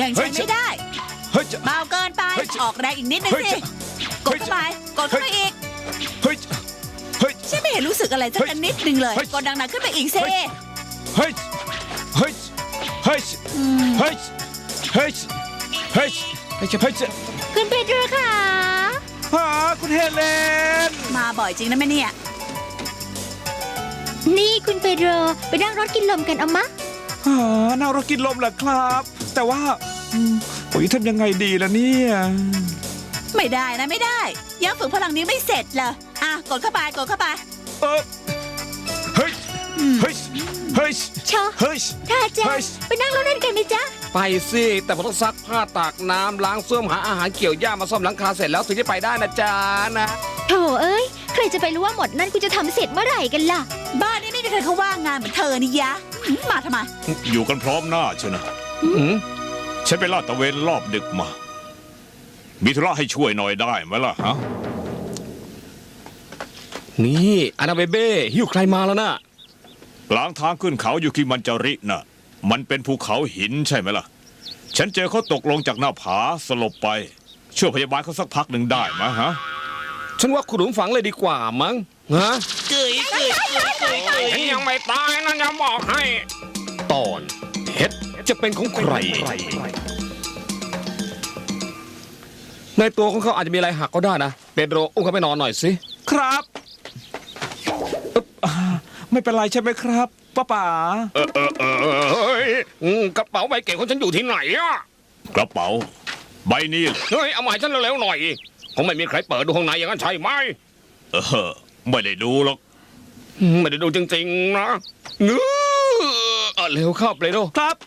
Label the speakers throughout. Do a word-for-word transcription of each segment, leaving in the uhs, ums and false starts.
Speaker 1: ข่งฉันไม่ได้เบาเกินไปออกแรงอีกนิดนึงสิกดเข้าไปกดเข้าไปอีกฉันไม่เห็นรู้สึกอะไรสักนิดนึงเลยกดดังหนักขึ้นไปอีกสิ
Speaker 2: เฮ้ยเฮ้ยเฮ้ยเฮ้ยเฮ้ยเฮ้ยเฮ้ยเฮ้ย
Speaker 3: คุณเปโดรค่ะ
Speaker 2: ฮะคุณเฮเลน
Speaker 1: มาบ่อยจริงนะแม่เนี่ย
Speaker 3: นี่คุณเปโดรไปนั่งรถกินลมกันเอามะ
Speaker 2: ฮะนั่งรถกินลมเหรอครับแต่ว่าโอ้ยทำยังไงดีล่ะเนี่ย
Speaker 1: ไม่ได้นะไม่ได้ยังฝึกพลังนี้ไม่เสร็จเลยอ่ะกดเข้าไปกดเข้าไป
Speaker 2: เออเฮ้ยเฮ้ยเฮ้ย
Speaker 3: ชอ
Speaker 2: เฮ้ย
Speaker 3: ถ้าจะไปนั่งรถเล่นกันไหมจ๊ะ
Speaker 4: ไปสิแต่ผมต้องซักผ้าตากน้ำล้างส้วมหาอาหารเกี่ยวหญ้ามาซ่อมหลังคาเสร็จแล้วถึงจะไปได้นะจ๊ะนะ
Speaker 3: โถเอ้ยใครจะไปรู้ว่าหมดนั่นกูจะทำเสร็จเมื่อไหร่กันล่ะ
Speaker 1: บ้านนี้ไม่มีใครเขาว่างงานเหมือนเธอนี่ยะมาทำไม
Speaker 2: อยู่กันพร้อมหน้าเชียวนะฉันไปลาดตระเวนรอบดึกมามีธุระให้ช่วยหน่อยได้ไหมล่ะฮะ
Speaker 4: นี่อานาเบเบ้หิ้วใครมาแล้วนะ
Speaker 2: กลางทางขึ้นเขาอยู่กิมันจาริน่ะมันเป็นภูเขาหินใช่ไหมล่ะฉันเจอเขาตกลงจากหน้าผาสลบไปช่วยพยาบาลเขาสักพักหนึ่งได้ไหมฮะ
Speaker 4: ฉันว่าขุดหลุมฝังเลยดีกว่ามั้งฮะ
Speaker 5: เกยเกยเกยฉันยังไม่ตายนะจะบอกให้
Speaker 4: ตอนเพชรจะเป็นของใครในตัวของเขาอาจจะมีอะไรหักก็ได้นะเปโดรอุ้มเขาไปนอนหน่อยสิ
Speaker 2: ครับไม่เป็นไรใช่ไหมครับป้าป๋า
Speaker 5: เออเออเออเฮ้ยกระเป๋าใบเก๋ของฉันอยู่ที่ไหนอ่ะ
Speaker 2: กระเป๋าใบนี้
Speaker 5: เฮ้ยเอามาให้ฉันเร็วๆหน่อยคงไม่มีใครเปิดดูข้างในอย่างนั้นใช่ไหม
Speaker 2: เออไม่ได้ดูหรอก
Speaker 5: ไม่ได้ดูจริงๆนะเนื้อ
Speaker 4: เร็วเข้าเปโดร
Speaker 2: ครับ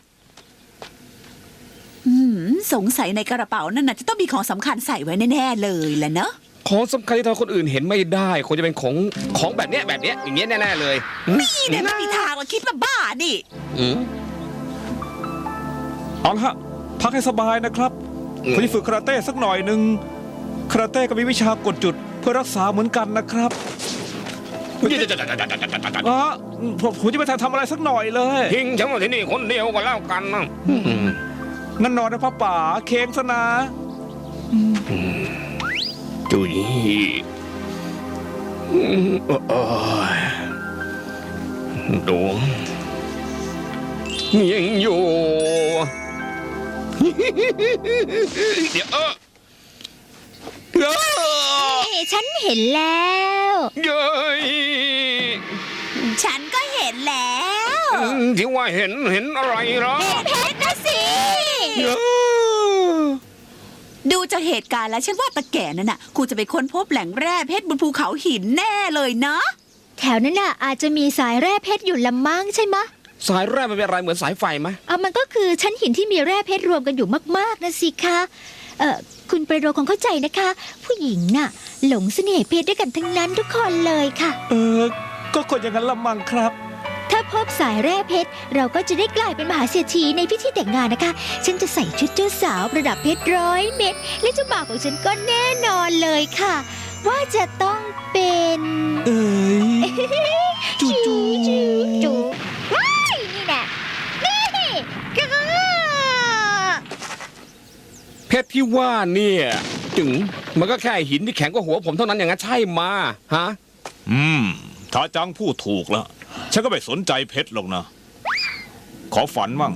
Speaker 1: สงสัยในกระเป๋านั่นน่ะจะต้องมีของสำคัญใส่ไว้แน่ๆเลยแหละเนอะ
Speaker 4: ของสำคัญที่ทำคนอื่นเห็นไม่ได้คงจะเป็นของของแบบเนี้ยแบบเนี้ยอย่างเงี้ยแน่ๆเลย
Speaker 1: นี่เนี่ยไม่มีทางเราคิดมาบ้านี่
Speaker 2: เอาละฮะพักให้สบายนะครับผมจะฝึกคาราเต้สักหน่อยหนึ่งคาราเต้ก็มีวิชากดจุดเพื่อรักษาเหมือนกันนะครับอ๋อผมจะไปทำอะไรสักหน่อยเลย
Speaker 5: ทิ้งฉันไว้ที่นี่คนเดียวก็แล้วกันนะ
Speaker 2: นั่นนอนนะพ่อป๋าเค้งซะนะ
Speaker 5: จุยดวงยังอยู่เดี๋ยวเออ
Speaker 3: ฉันเห็นแล้ว
Speaker 5: เย้ย
Speaker 1: ฉันก็เห็นแล้ว
Speaker 5: ที่ว่าเห็นเห็นอะไรหรอ
Speaker 1: เพชรนะสิดูจากเหตุการณ์แล้วฉันว่าตะแก่นั่นน่ะคงจะไปค้นพบแหล่งแร่เพชรบนภูเขาหินแน่เลยนะ
Speaker 3: แถวนั้นน่ะอาจจะมีสายแร่เพชรอยู่ละมั้งใช่ไหม
Speaker 4: สายแร่มันเป็นอะไรเหมือนสายไฟไหม
Speaker 3: อ่ะมันก็คือชั้นหินที่มีแร่เพชรรวมกันอยู่มากๆนะสิคะเอ่อคุณเปโดรคงเข้าใจนะคะผู้หญิงน่ะหลงเสน่ห์เพชรด้วยกันทั้งนั้นทุกคนเลยค่ะ
Speaker 2: เออก็คนอย่างนั้นละมั้งครับ
Speaker 3: ถ้าพบสายแร่เพชรเราก็จะได้กลายเป็นมหาเศรษฐีในพิธีแต่งงานนะคะฉันจะใส่ชุดเจ้าสาวประดับเพชรร้อยเม็ดและเจ้าบ่าวของฉันก็แน่นอนเลยค่ะว่าจะต้องเป็น
Speaker 2: เอ้ยจูจู
Speaker 3: จูว้ายนี่แหละนี่
Speaker 4: เพชรที่ว่าเนี่ยถึงมันก็แค่หินที่แข็งกว่าหัวผมเท่านั้นอย่างนั้นใช่มาฮะ
Speaker 2: อืมถ้าจังพูดถูกแล้วฉันก็ไม่สนใจเพชรหรอกนะขอฝันมั่ง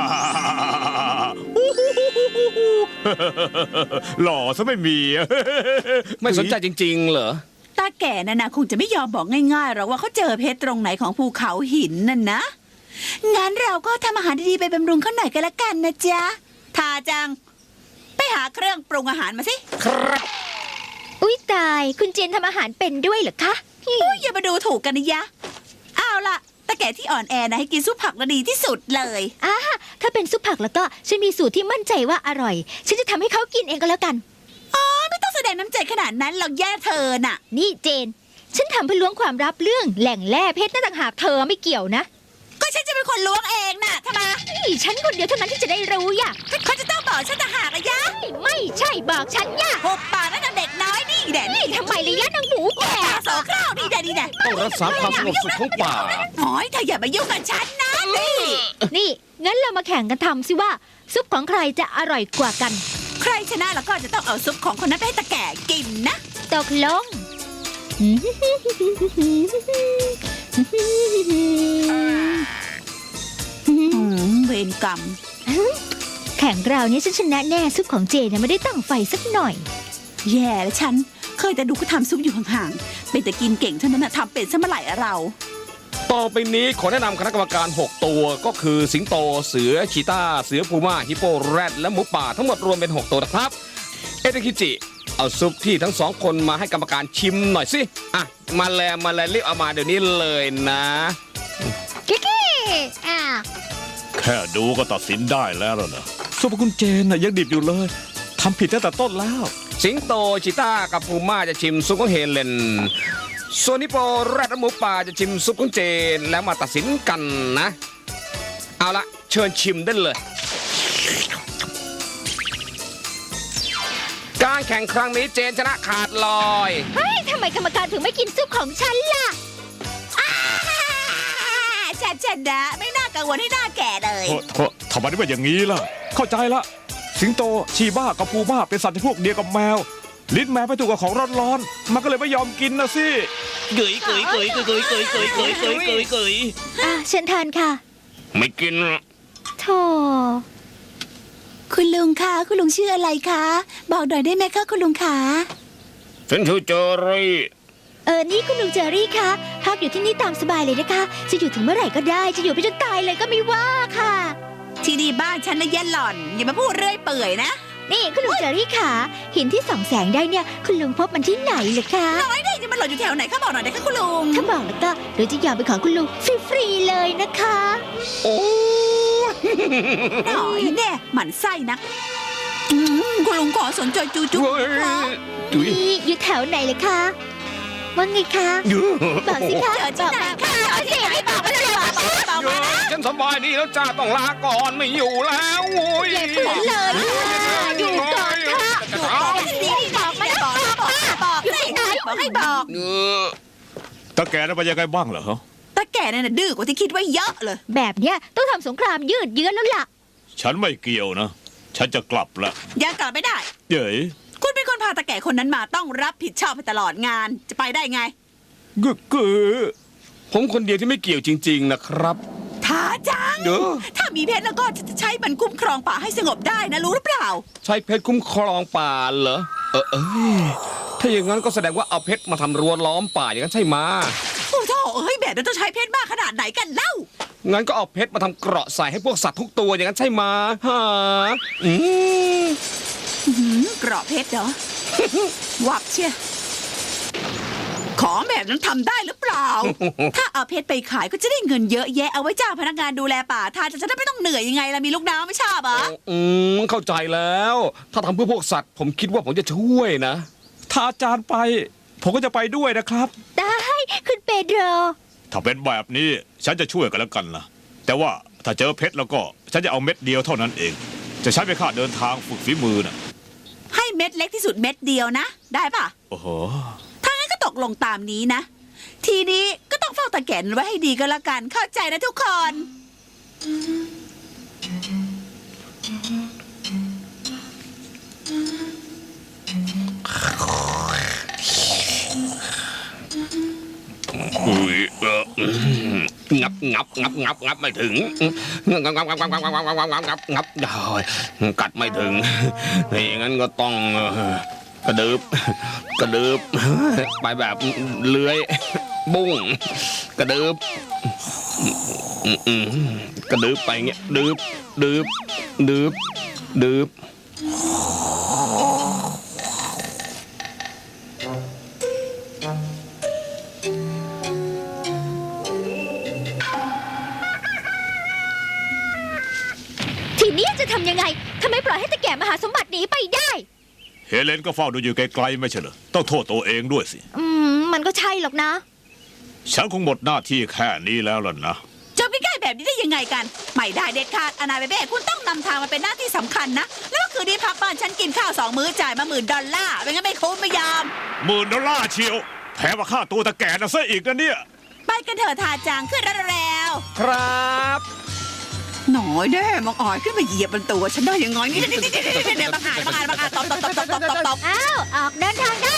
Speaker 2: หล่อซะไม่มี
Speaker 4: ไม่สนใจจริงๆเหรอ
Speaker 1: ตาแก่นั่นนะคงจะไม่ยอมบอกง่ายๆหรอกว่าเขาเจอเพชรตรงไหนของภูเขาหินนั่นนะงั้นเราก็ทำอาหารดีๆไปบำรุงเขาหน่อยกันละกันนะจ๊ะทาจังไปหาเครื่องปรุงอาหารมาสิ
Speaker 5: ครับ
Speaker 3: อุ๊ยตายคุณเจนทำอาหารเป็นด้วยเหรอคะ
Speaker 1: อุ๊ยอย่ามาดูถูกกันนะยะเอาล่ะตาแก่ที่อ่อนแอนะให้กินซุปผักดีที่สุดเลย
Speaker 3: อ่าถ้าเป็นซุปผักแล้วก็ฉันมีสูตรที่มั่นใจว่าอร่อยฉันจะทำให้เขากินเองก็แล้วกัน
Speaker 1: อ๋อไม่ต้องแสดงน้ำใจขนาดนั้นหรอกแย่เธอน่ะ
Speaker 3: นี่เจนฉันทำเพื่อล้วงความลับเรื่องแหล่งแร่เพชรนั่นต่างหากเธอไม่เกี่ยวนะ
Speaker 1: ก็ฉันจะเป็นคนล้วงเองน่ะทำไม
Speaker 3: ฉันคนเดียวเท่านั้นที่จะได้รู้ย่ะ
Speaker 1: เขาจะต้องบอกฉันต่างหากอะยะ
Speaker 3: ไม่ใช่บอกฉันย่ะ
Speaker 1: หกปากนั่นเด็กน้อยนี่แดด
Speaker 3: นี่ทำไมเลยยะนางหมูแก่
Speaker 1: สองข้าวนี่แดดนี่แดด
Speaker 4: ต้องรักษาความสงบสุขของป่า
Speaker 1: โอ้ยเธออย่ามายุ่งกับฉันนะนี่
Speaker 3: นี่งั้นเรามาแข่งกันทำสิว่าซุปของใครจะอร่อยกว่ากัน
Speaker 1: ใครชนะแล้วก็จะต้องเอาซุปของคนนั้นไปให้ตาแก่กินนะ
Speaker 3: ตกลง
Speaker 1: อืมเวรกรรม
Speaker 3: แข่งเราเนี่ยฉันชนะแน่ซุปของเจเนี่ยไม่ได้ตั้งไฟสักหน่อย
Speaker 1: แย่แล้วฉัน เคยแต่ดูก็ทำซุปอยู่ห่างๆ เป็นแต่กินเก่งเท่านั้นนะทำเป็นซะเมื่อไหร่อะเรา
Speaker 4: ต่อไปนี้ขอแนะนำคณะกรรมการ หก ตัวก็คือสิงโตเสือชีตาเสือพูม่าฮิปโปแรดและหมูป่าทั้งหมดรวมเป็น หก ตัวนะครับ เอเดคิจิ เอาซุปที่ทั้งสองคนมาให้กรรมการชิมหน่อยสิอ่ะมาแลมาแลรีบเอามาเดี๋ยวนี้เลยนะ
Speaker 3: กิ๊กกี้อ่ะ
Speaker 2: แค่ดูก็ตัดสินได้แล้วล่ะนะซุปคุณเจนน่ะยังดิบอยู่เลยทำผิดตั้งแต่ต้นแล้ว
Speaker 4: สิงโตชีตากับพูม่าจะชิมซุปของเฮเลนส่วนฮิปโปแรดและหมูป่าจะชิมซุปของเจนแล้วมาตัดสินกันนะ เอาละเชิญชิมได้เลย การแข่งครั้งนี้เจนชนะขาดลอย
Speaker 3: เฮ้ยทำไมกรรมการถึงไม่กินซุปของฉันล่ะ
Speaker 1: ฉันชนะไม่น่ากังวลให้หน้าแก่เลย
Speaker 2: โทษโทษทำไมถึงเป็นอย่างนี้ล่ะ เข้าใจละ สิงโตชีบ้ากับพูม่าเป็นสัตว์ที่พวกเดียวกับแมว ลิ้นแมวไปถูกกับของร้อนๆมันก็เลยไม่ยอมกินนะสิ
Speaker 5: เกยเกยเกยเกยเกยเกยเกยเกยเกยเกยเกย
Speaker 3: อ่ะเชิญทานค่ะ
Speaker 5: ไม่กินหรอก
Speaker 3: โธ่
Speaker 1: คุณลุงคะคุณลุงชื่ออะไรคะ บอกหน่อยได้ไหมคะคุณลุงคะ
Speaker 5: ฉันชื่อเจอรี่
Speaker 3: เออ นี่คุณลุงเจอรี่คะพักอยู่ที่นี่ตามสบายเลยนะคะ จะอยู่ถึงเมื่อไหร่ก็ได้ จะอยู่ไปจนตายเลยก็ไม่ว่าค่ะ
Speaker 1: ที่นี่บ้านฉันนะเย็นหล่อน อย่ามาพูดเรื่อยเปื่อยนะ
Speaker 3: นี่คุณลุงเจอรี่ค่ะหินที่ส่องแสงได้เนี่ย คุณลุงพบมันที่ไหนเหรอคะ
Speaker 1: น้อยได้จะมันหล่นอยู่แถวไหนคะบอกหน่อยได้คะคุณลุง
Speaker 3: ถ้าบอกแล้วก็เดี๋ยวจะยอมเป็นของคุณลุงฟรีๆเลยนะคะ
Speaker 4: โอ้ย
Speaker 1: หน่อยแน่หมั่นไส้นักอืมคุณลุงขอสนใจจูจุ๊บ
Speaker 4: เฮ้ย
Speaker 1: คะ
Speaker 4: จุ๋ย
Speaker 3: นี่อยู่แถวไหนเลยคะว่าไงคะ
Speaker 4: อยู่
Speaker 3: บอกสิคะ
Speaker 1: เจอที่ไหนคะเจอที่ไหนบอกมาเลยบอกมาเลยบอกมานะ
Speaker 4: ฉันสบายดีแล้วจ้าต้องลาก่อนไม่อยู่แล้วโอ้ย
Speaker 3: อย่าฝืนเลยค่ะอยู่ก่อนค่ะ
Speaker 1: ดูบอกสิบอกไม่บอกบอกบอกสิบอกให้บอก
Speaker 4: เออ
Speaker 2: ตาแกน่ะเป็นยังไงบ้างเหรอฮะ
Speaker 1: ตาแก่นั่นน่ะดื้อกว่าที่คิดไว้เยอะเลย
Speaker 3: แบบเนี้ยต้องทำสงครามยืดเยื้อแล้วล่ะ
Speaker 2: ฉันไม่เกี่ยวนะ ฉันจะกลับละ
Speaker 1: ยังกลับไม่ได้
Speaker 2: เย้ย
Speaker 1: คุณเป็นคนพาตาแก่คนนั้นมาต้องรับผิดชอบไปตลอดงาน จะไปได้ไง
Speaker 2: กึกกึ
Speaker 4: ผมคนเดียวที่ไม่เกี่ยวจริง ๆ นะครับ
Speaker 1: ท้าจัง
Speaker 4: เด้อ
Speaker 1: ถ้ามีเพชรแล้วก็จะใช้มันคุ้มครองป่าให้สงบได้นะรู้หรือเปล่า
Speaker 4: ใช้เพชรคุ้มครองป่าเหรอ เออเอ้ยถ้าอย่างนั้นก็แสดงว่าเอาเพชรมาทำรั้วล้อมป่าอย่างนั้นใช่ไหมะ
Speaker 1: โอ้โถเอ้ยแบบนั้นต้องใช้เพชรมากขนาดไหนกันเล่า
Speaker 4: งั้นก็เอาเพชรมาทำเกราะใส่ให้พวกสัตว์ทุกตัวอย่างนั้นใช่ไหมะฮะอืม
Speaker 1: อื้อหือกรอบเพชรเหรอ วับเชียของแบบนั้นทำได้หรือเปล่า ถ้าเอาเพชรไปขายก็จะได้เงินเยอะแยะเอาไว้จ้างพนักงานดูแลป่าทานจะได้ไม่ต้องเหนื่อยยังไงล่ะมีลูกน้องไม่ชอบเหรอ
Speaker 4: อืมเข้าใจแล้ว ถ้าทำเพื่อพวกสัตว์ ผมคิดว่าผมจะช่วยนะ
Speaker 2: ถ้าอาจารย์ไป ผมก็จะไปด้วยนะครับ
Speaker 3: ได้คุณเปโดร
Speaker 2: ถ้าเป็นแบบนี้ฉันจะช่วยกันแล้วกันนะแต่ว่าถ้าเจอเพชรแล้วก็ฉันจะเอาเม็ดเดียวเท่านั้นเอง จะใช้ไปค่าเดินทางฝึกฝีมือนะ
Speaker 1: ให้เม็ดเล็กที่สุดเม็ดเดียวนะ ได้ปะ
Speaker 2: โอ้โห
Speaker 1: ถ้างั้นก็ตกลงตามนี้นะ ทีนี้ก็ต้องเฝ้าตาแก่นไว้ให้ดีก็แล้วกัน เข้าใจนะทุกคน
Speaker 5: อุ้ยเอองับงับงับงับงับไม่ถึงงับงับงับงับงับงับงับงับงับงับงับได้กัดไม่ถึงอย่างนั้นก็ต้องกระดึบกระดึบไปแบบเลื้อยบุ้งกระดึบกระดึบไปเงี้ยดึบดึบดึบดึบ
Speaker 3: ทีนี้จะทำยังไงทำไมปล่อยให้ตะแก่มหาสมบัติหนีไปได้
Speaker 2: เฮเลนก็เฝ้าดูอยู่ไกลๆไม่ใช่เหรอต้องโทษตัวเองด้วยสิ
Speaker 3: อืม มันก็ใช่หรอกนะ
Speaker 2: ฉันคงหมดหน้าที่แค่นี้แล้วล่ะนะ
Speaker 1: จะไปใกล้แบบนี้ได้ยังไงกัน ไม่ได้เด็ดขาดอนาเบเบ้คุณต้องนำทางมาเป็นหน้าที่สำคัญนะ แล้วก็คืนนี้พักบ้านฉันกินข้าวสองมื้อจ่ายมาหมื่นดอลลาร์ไม่งั้นไม่คุ้มไม่ยอม
Speaker 2: หมื่นดอลลาร์เชียวแถมมาค่าตัวตะแก่นะซะอีกนะเนี่ย
Speaker 1: ไปกันเถอะทาจางขึ้นรถแล้ว
Speaker 4: ครับ
Speaker 1: หน่อยแน่มังอ่อยขึ้นมาเหยียบบนตัวฉันได้ยังไงนี่นี่นี่นี่นี่นี่บังอาจบังอาจบังอาจตบตบตบตบตบตบตบ
Speaker 3: อ้าว ออกเดินทางได้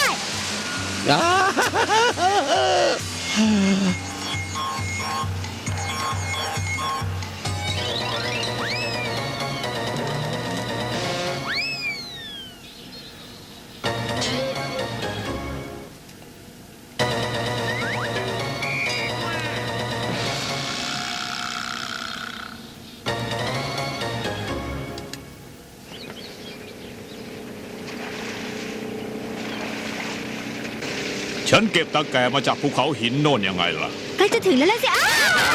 Speaker 2: ฉันเก็บตะแกรงมาจากภูเขาหินโน่นยังไงล่ะ
Speaker 3: ใกล้จะถึงแล้วล่ะสิอ้าว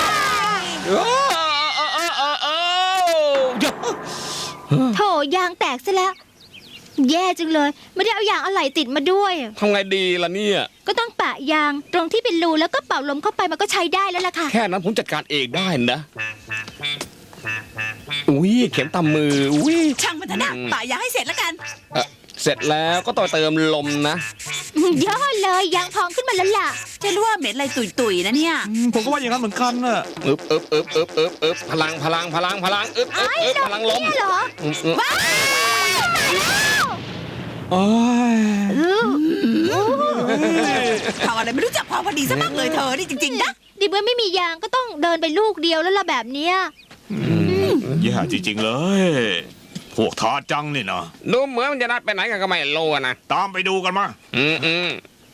Speaker 3: โถยางแตกซะแล้ว แย่จังเลย ไม่ได้เอายางอะไหล่ติดมาด้วย
Speaker 4: ทำไงดีล่ะเนี่ย
Speaker 3: ก็ต้องปะยางตรงที่เป็นรูแล้วก็เป่าลมเข้าไปมันก็ใช้ได้แล้วล่ะค่ะ
Speaker 4: แค่นั้นผมจัดการเองได้นะ อุ้ยเข็มตามมือ อุ้ย
Speaker 1: ช่างมันเถอะนะป่ายางให้เสร็จแล้วกัน
Speaker 4: เอ่อเสร็จแล้วก็ต้องเติมลมนะ
Speaker 3: ยอดเลยยางพองขึ้นมาแล้วล่ะ
Speaker 1: จะรู้ว่าเหม็นอะไรตุยๆนะเนี่ย
Speaker 2: ผมก็ว่าอย่างนั้นเหมือนกันน่ะ
Speaker 4: อึบอึบอึบอึบอึบอึบพลังพลังพลังพลังอึบอึบอึบพลังลม
Speaker 3: เนี่ยเหรอ
Speaker 4: อืมอืม
Speaker 2: โอ้ย
Speaker 3: อื้ออู้
Speaker 1: ทำอะไรไม่รู้จักพอพอดีซะบ้างเลยเธอนี่จริงๆนะ
Speaker 3: ดิเมื่อไม่มียางก็ต้องเดินไปลูกเดียวแล้วล่ะแบบเนี้ย
Speaker 2: แย่จริงๆเลย พวกทาจังนี่นะ
Speaker 5: ดูเหมือนมันจะนัดไปไหนกันก็ไม่รู้อะนะ
Speaker 2: ตามไปดูกันมา
Speaker 5: อืมอืม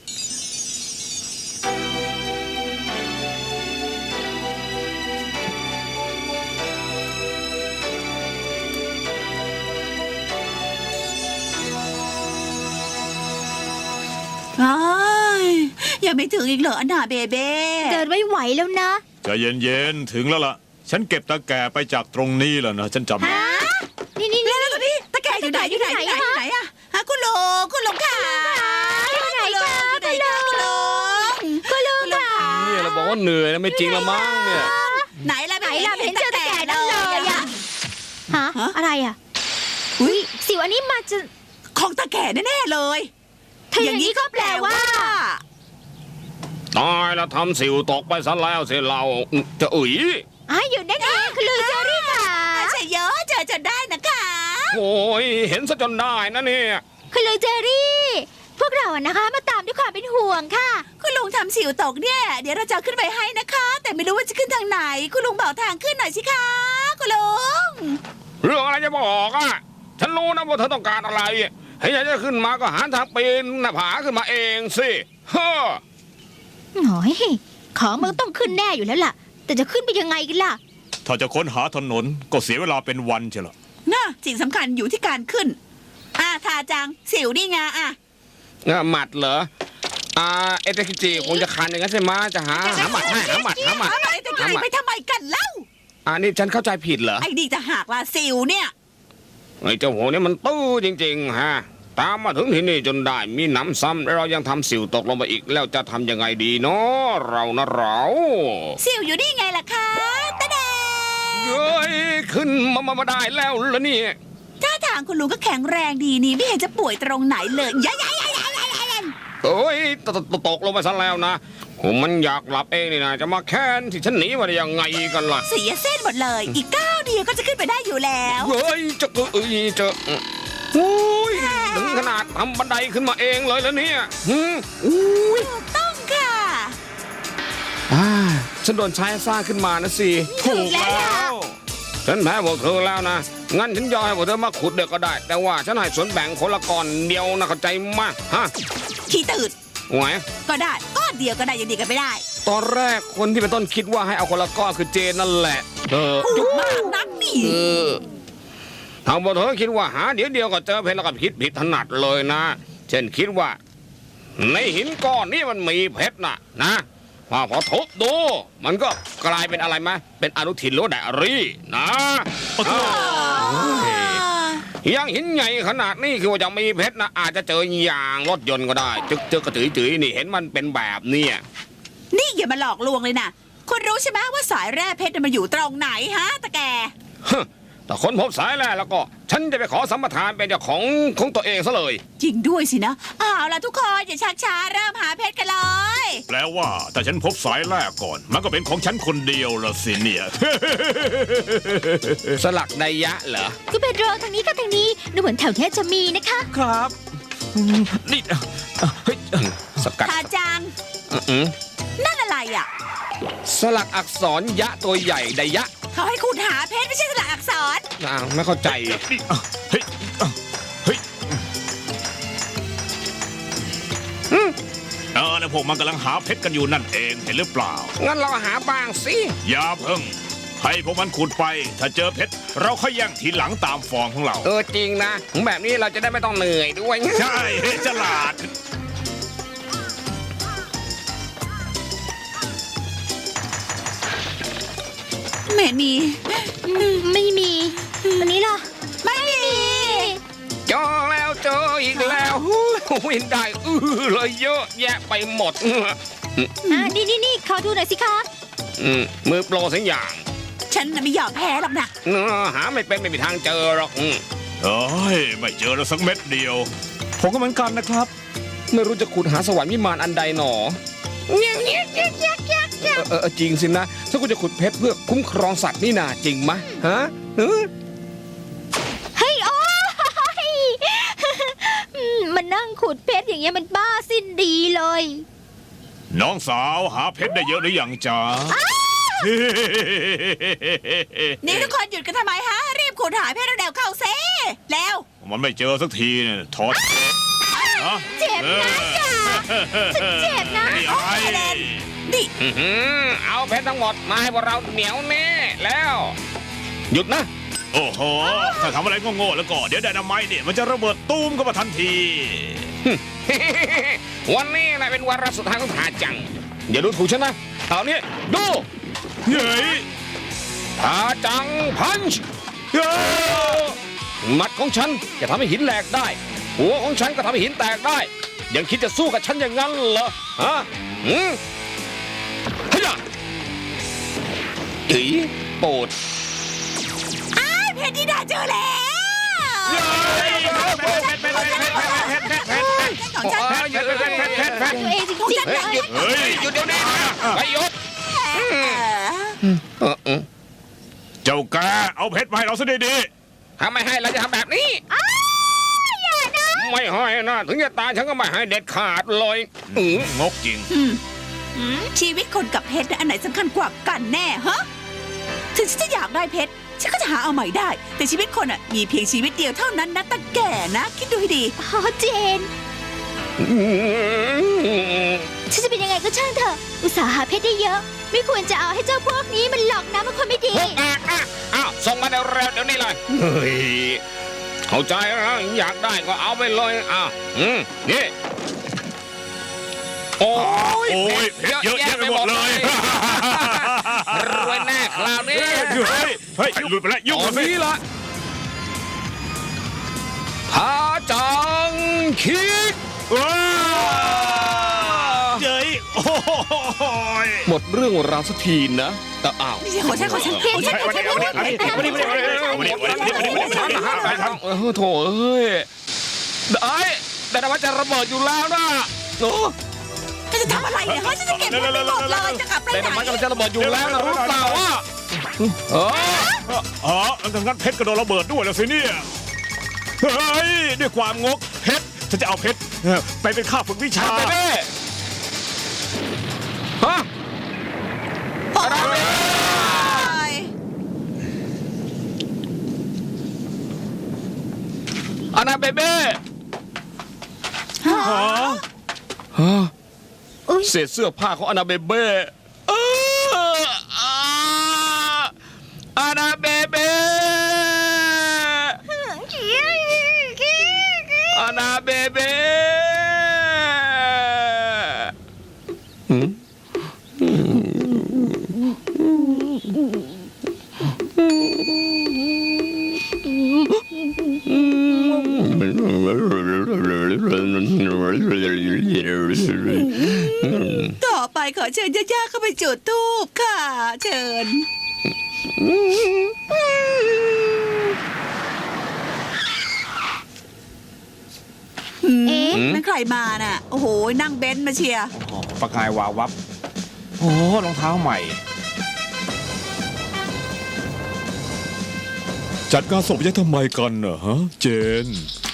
Speaker 1: อ้ายยังไม่ถึงอีกเหรออันนาเบเบ้
Speaker 3: เดินไม่ไหวแล้วนะ
Speaker 2: ใจเย็นๆถึงแล้วล่ะ ฉันเก็บตะแกรงไปจากตรงนี้แล้วนะฉันจำได้
Speaker 3: ฮะ นี่นี่นี่
Speaker 1: แล้วตัวนี้ตะแกรงอยู่ไหนอยู่ไหนอยู่ไหนอยู่ไหนอะฮะคุณลุงคุณลุงค่ะ
Speaker 3: อยู่ไหนคะ
Speaker 1: อยู่ไหนคะคุณลุง
Speaker 3: คุณลุงค่ะ
Speaker 4: เนี่ยเราบอกว่าเหนื่อยนะไม่จริงละมั้งเนี่ย
Speaker 1: ไหนล่ะ
Speaker 3: ไหนล่ะเห็นเจอตะแกรงนั่นเลยอะฮะ
Speaker 1: ฮะ
Speaker 3: อะไรอะ
Speaker 1: อุ้ย
Speaker 3: สิวอันนี้มาจะ
Speaker 1: ของตะแกรงแน่ๆเลย
Speaker 3: ถ้าอย่างนี้ก็แปลว่า
Speaker 5: ตายแล้วทำสิวตกไปซะแล้วสิเราจะอุ๋ย
Speaker 3: อ้าวอยู่นั่นเองคุณลุงเจอรี่ค่ะ
Speaker 1: ใช่เยอะเจอจนได้นะคะ
Speaker 5: โอ้ยเห็นซะจนได้นะเนี่ย
Speaker 3: คุณลุงเจอรี่ พวกเราอะนะคะ มาตามด้วยความเป็นห่วงค่ะ
Speaker 1: คุณลุงทำสิวตกเนี่ย เดี๋ยวเราจะเอาขึ้นไปให้นะคะ แต่ไม่รู้ว่าจะขึ้นทางไหน คุณลุงบอกทางขึ้นหน่อยสิคะคุณลุง
Speaker 5: เรื่องอะไรจะบอกอ่ะฉันรู้นะว่าเธอต้องการอะไรให้ฉันจะขึ้นมาก็หาทางปีนหน้าผาขึ้นมาเองสิเฮ้อ
Speaker 3: หน่อยของมันต้องขึ้นแน่อยู่แล้วล่ะ แต่จะขึ้นไปยังไงกันล่ะ
Speaker 2: ถ้าจะค้นหาถนนก็เสียเวลาเป็นวันเชียวล่ะ
Speaker 1: น่ะสิ่งสำคัญอยู่ที่การขึ้น อ่าทาจัง สิวนี่ไงอ่ะ
Speaker 5: เอ่อหมัดเหรออ่าเอเตคิจิคงจะคันอย่างนั้นใช่ไหมจะหาหาหมัดให้หาหมัดหาหมัด
Speaker 1: หาอะไรตะไคร้ไปทำไมกันเล่า
Speaker 5: อันนี้ฉันเข้าใจผิดเหรอ
Speaker 1: ไอ้นี่จะหักละสิวเนี่ย
Speaker 5: ไอ้เจ้าหัวนี่มันตื้อจริงๆฮะตามมาถึงที่นี่จนได้มีหนำซ้ำแล้วเรายังทำสิวตกลงไปอีกแล้วจะทำยังไงดีเนาะเรานะเรา
Speaker 1: สิวอยู่นี่ไงล่ะคะตะแดง
Speaker 5: เฮ้ยขึ้นมามามาได้แล้วแล้วนี่
Speaker 1: ท่าทางคุณลุงก็แข็งแรงดีนี่ไม่เห็นจะป่วยตรงไหนเลยยายายายายายาย
Speaker 5: เอ้ยตตตตกลงไปซะแล้วนะผมมันอยากหลับเองนี่นะจะมาแค้นที่ฉันหนีมาได้ยังไงกันล่ะ
Speaker 1: เสียเส้นหมดเลย อีกก้าวเดียวก็จะขึ้นไปได้อยู่แล้ว
Speaker 5: เฮ้ยจะเอ้ยจะโอ้ยถึงขนาดทำบันไดขึ้นมาเองเลยแล้วเนี่ยหืมอุ้ย
Speaker 1: ถูกต้องค่ะ
Speaker 5: อ่าฉันโดนใช้สร้างขึ้นมานะสิ
Speaker 3: ถูกแล้วล่ะ
Speaker 5: ฉันแพ้พวกเธอแล้วนะ งั้นฉันยอมให้พวกเธอมาขุดเด็กก็ได้ แต่ว่าฉันให้ส่วนแบ่งคนละก้อนเดียวนะเข้าใจมากฮะ
Speaker 1: ขี้ตื่น
Speaker 5: ไหว
Speaker 1: ก็ได้ก้อนเดียวก็ได้ยังดีกันไม่ได้
Speaker 5: ตอนแรกคนที่เป็นต้นคิดว่าให้เอาคนละก้อนคือเจนนั่นแหละเธอ
Speaker 1: พูดมากนักนี่
Speaker 5: เออทางพวกเธอคิดว่าหาเดี๋ยวเดียวก็เจอเพชรแล้วก็คิดผิดถนัดเลยนะ เช่นคิดว่า ในหินก้อนนี้มันมีเพชรนะนะพอพอทุบดู มันก็กลายเป็นอะไรไหมเป็นอนุทินหรือว่าไดอารี่นะอ้าวอย่างหินใหญ่ขนาดนี้คือว่าจะมีเพชรนะอาจจะเจอยางรถยนต์ก็ได้ จึกเจอกระตือจือนี่เห็นมันเป็นแบบเนี้ย
Speaker 1: นี่อย่ามาหลอกลวงเลยนะคุณรู้ใช่ไหมว่าสายแร่เพชรน่ะมันอยู่ตรงไหนฮะตะแก
Speaker 5: ฮะถ้าคนพบสายแร่แล้วก็ ฉันจะไปขอสัมปทานเป็นเจ้าของของตัวเองซะเลย
Speaker 1: จริงด้วยสินะเอาล่ะทุกคนอย่าชักช้าเริ่มหาเพชรกันเลย
Speaker 2: แปลว่าแต่ฉันพบสายแรกก่อน มันก็เป็นของฉันคนเดียวละสิเนี่ย
Speaker 5: สลักไดยะเหรอ
Speaker 3: คุณเปโดรทางนี้ก็ทางนี้ดูเหมือนแถวเนี้ยจะมีนะคะ
Speaker 4: ครับอืมนี่อ่ะอ่ะเฮ้ย
Speaker 5: สกัด
Speaker 1: ทาจัง
Speaker 5: อืม
Speaker 1: นั่นอะไรอ่ะ
Speaker 5: สลักอักษรยะตัวใหญ่ไดยะ
Speaker 1: เขาให้คุณหาเพชรไม่ใช่สลักอักษร
Speaker 5: อ้าวไม่เข้าใจ
Speaker 2: นี่อ่ะเฮ้ยอ่ะเฮ้ยเออแล้วพวกมันกำลังหาเพชรกันอยู่นั่นเองเห็นหรือเปล่า
Speaker 5: งั้นเราหาบ้างสิ
Speaker 2: อย่าเพิ่งให้พวกมันขุดไป ถ้าเจอเพชรเราค่อยแย่งทีหลังตามฟอร์มของเรา
Speaker 5: เออจริงนะ แบบนี้เราจะได้ไม่ต้องเหนื่อยด้วย
Speaker 2: ใช่ฉลาด
Speaker 1: ไม่มี
Speaker 3: ไม่มีวันนี้ล่ะ
Speaker 1: ไม่มี
Speaker 5: เจอแล้วเจออีกแล้ววินได้อื้อเลยเยอะแยะไปหมด
Speaker 3: อ่านี่นี่นี่ขอดูหน่อยสิคะ
Speaker 5: อืมมือโปรสักอย่าง
Speaker 1: ฉันน่ะไม่ยอมแพ้หรอกนะ
Speaker 5: เออหาไม่เป็นไม่มีทางเจอหรอกอืม
Speaker 2: เอ้ยไม่เจอแล้วสักเม็ดเดียว
Speaker 4: ผมก็เหมือนกันนะครับ ไม่รู้จะขุดหาสวรรค์วิมานอันใดหนอเออเออเออจริงสินะ ถ้าคุณจะขุดเพชรเพื่อคุ้มครองสัตว์นี่นาจริงไหมฮะเออ
Speaker 3: เฮ้ยโอ้ยอืมมันนั่งขุดเพชรอย่างเงี้ยมันบ้าสิ้นดีเลย
Speaker 2: น้องสาวหาเพชรได้เยอะหรือยังจ๊ะ
Speaker 1: นี่ทุกคนหยุดกันทำไมฮะ รีบขุดหาเพชรเร็วๆเข้าเซ่แล้ว
Speaker 2: มันไม่เจอสักทีเนี่ยถอดฮะ
Speaker 3: เจ็บนะจ๊ะฉันเจ็บนะ
Speaker 2: นี่อะไร
Speaker 1: นี่
Speaker 5: อื้อหือเอาเพชรทั้งหมดมาให้พวกเราเหนียวแน่แล้ว หยุดนะ
Speaker 2: โอ้โหถ้าทำอะไรโง่ๆแล้วก็เดี๋ยวไดนาไมต์เนี่ยมันจะระเบิดตูมเข้ามาทันที
Speaker 5: วันนี้นะเป็นวาระสุดท้ายของทาจัง อย่าดูถูกฉันนะเอานี้ดู
Speaker 2: เฮ้ย
Speaker 5: ทาจังพันช์
Speaker 2: เฮ้ย
Speaker 5: หมัดของฉันจะทำให้หินแหลกได้ หัวของฉันก็ทำให้หินแตกได้ ยังคิดจะสู้กับฉันอย่างนั้นเหรอฮะอืมเฮ้ยอีโปรด
Speaker 1: อ้ายเพชรที่ดาเจอแล้ว ของฉัน
Speaker 5: เอ้ยหยุดหยุดหยุดหยุดหยุด
Speaker 3: ตัวเองจริงๆ
Speaker 5: เฮ้ยหยุด
Speaker 2: เฮ้ย
Speaker 5: หยุดเดี๋ยวนี้นะไปหยุด
Speaker 1: เออ
Speaker 5: เออเออ
Speaker 2: เจ้าแกเอาเพชรมาให้เราซะดี
Speaker 5: ถ้าไม่ให้เราจะทำแบบนี้ไม่ให้นะถึงจะตายฉันก็ไม่ให้เด็ดขาดเลยอือ
Speaker 2: ๆงกจริง
Speaker 1: อืมชีวิตคนกับเพชรน่ะอันไหนสำคัญกว่ากันแน่ฮะ ถึงฉันจะอยากได้เพชร ฉันก็จะหาเอาใหม่ได้ แต่ชีวิตคนอ่ะมีเพียงชีวิตเดียวเท่านั้นนะตาแก่นะ คิดดูให้ดี
Speaker 3: อ๋อเจน ฉันจะเป็นยังไงก็ช่างเถอะ อุตส่าห์หาเพชรได้เยอะ ไม่ควรจะเอาให้เจ้าพวกนี้มันหลอกนะมันคนไม่ดี
Speaker 5: พวกอ่ะอ่ะอ้าวส่งมาเร็วๆเดี๋ยวนี้เลยเฮ้ยเข้าใจแล้วอยากได้ก็เอาไปเลยอ้าวอืมนี่โอ้ย
Speaker 2: โอ้ยเพชรเยอะแยะไปหมดเลย
Speaker 5: รวยแน่คราวนี้
Speaker 2: เฮ้ยเฮ้ยหลุดไปแล้วยุ่ง
Speaker 4: ตอ
Speaker 2: กัน นสิ
Speaker 4: นี้ละทาจังคิก
Speaker 2: ว้าวเจ๋ยโอ้ย
Speaker 4: หมดเรื่องราวสักทีนะแต่อ้าว
Speaker 1: นี่ของฉันของฉันของฉันของฉันของฉัน
Speaker 4: เออโถเอ้ยได้แต่ว่าจะระเบิดอยู่แล้วนะโอ้
Speaker 1: ฉันจะทำอะไรเนี่ยเขาฉันจะเก็บเงินไปหมดเลยจะกลับไป
Speaker 4: แต่
Speaker 1: ไหน
Speaker 4: ทำไมกำลังจะระเบิดอยู่แล้วนะรู้เปล่าว่าเออ
Speaker 2: อ๋อทางนั้นเพชรก็โดนระเบิดด้วยแล้วสิเนี่ย เฮ้ย ด้วยความงกเพชรฉันจะเอาเพชรไปเป็นข้าฝึกวิชา
Speaker 4: ไปเด้ฮะ
Speaker 1: โอ้ย
Speaker 4: อานาเบเบ้
Speaker 1: ฮะ
Speaker 4: ฮะ
Speaker 3: อุ๊ย
Speaker 4: เศษเสื้อผ้าของอานาเบเบ้เอออาอานาเบเบ้อานาเบเบ้หืม
Speaker 1: ต่อไปขอเชิญย่าๆเข้าไปจุดธูปค่ะ เชิญ
Speaker 3: เอ๊ะ
Speaker 1: นั่นใครมาน่ะ โอ้โห นั่งเบนซ์มาเชียร์
Speaker 2: อ๋อประกายวาววับ โอ้รองเท้าใหม่ จัดการศพยังทำไมกันเนอะฮะ เจน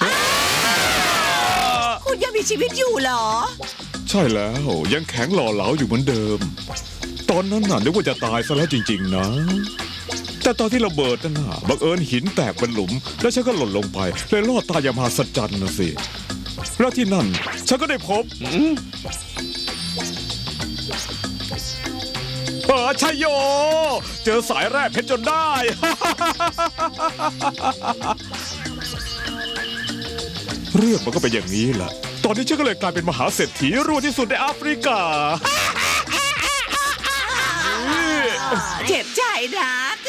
Speaker 1: คุณยังมีชีวิตอยู่เหรอ
Speaker 2: ใช่แล้วยังแข็งหล่อเหลาอยู่เหมือนเดิม ตอนนั้นน่ะนึกว่าจะตายซะแล้วจริงๆนะ แต่ตอนที่ระเบิดนั่นน่ะบังเอิญหินแตกเป็นหลุม แล้วฉันก็หล่นลงไปเลยรอดตายอย่างมหัศจรรย์นะสิ แล้วที่นั่นฉันก็ได้พบเออชัยโย เจอสายแร่เพชรจนได้ เรื่องมันก็เป็นอย่างนี้แหละ ตอนนี้ฉันก็เลยกลายเป็นมหาเศรษฐีรวยที่สุดในแอฟริกา
Speaker 1: เจ็บใจนะ